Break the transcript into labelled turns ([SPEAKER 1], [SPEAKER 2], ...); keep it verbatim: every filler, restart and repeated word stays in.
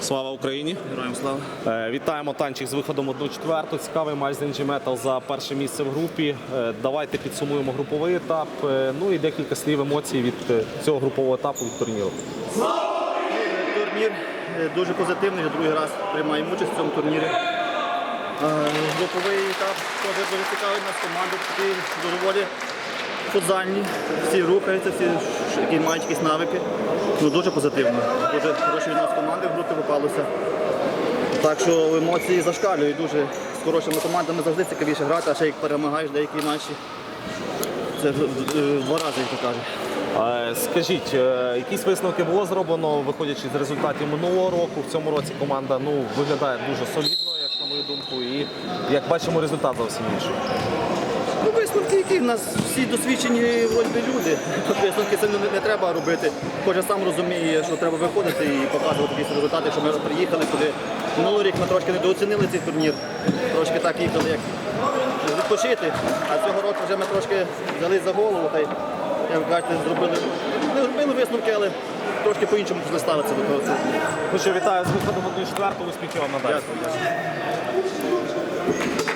[SPEAKER 1] Слава Україні!
[SPEAKER 2] Героям слава!
[SPEAKER 1] Е, Вітаємо танчик з виходом одну четверту. Цікавий матч з ен джі Metal за перше місце в групі. Е, Давайте підсумуємо груповий етап. Е, Ну і декілька слів емоцій від е, цього групового етапу від турніру.
[SPEAKER 2] Турнір е, дуже позитивний, другий раз приймаємо участь в цьому турнірі. Е, Груповий етап теж дуже цікавий, у нас команди такі доволі футзальні, всі рухаються, всі які мають якісь навики. Ну, дуже позитивно. Дуже хороші від нас команди в групі попалося. Так що емоції зашкалюють дуже. З хорошими командами завжди цікавіше грати, а ще як перемагаєш деякі матчі. Це в в два рази, як то кажуть.
[SPEAKER 1] Е, Скажіть, е, якісь висновки було зроблено, виходячи з результатів минулого року? В цьому році команда ну, виглядає дуже солідно, як на мою думку, і як бачимо, результат зовсім інший.
[SPEAKER 2] Ну, висновки, які в нас всі досвідчені вроді би, люди. Тут висновки це не, не треба робити. Кожен сам розуміє, що треба виходити і показувати якісь результати, що ми приїхали туди. Минулий рік ми трошки недооцінили цей турнір. Трошки так їхали, як відпочити. А цього року вже ми трошки взяли за голову. Та й, як ви кажете, зробили, не зробили висновки, але трошки по-іншому почали ставитися до того.
[SPEAKER 1] Ну що, вітаю з виходом одну четверту, успіхів вам надалі.
[SPEAKER 2] Дякую.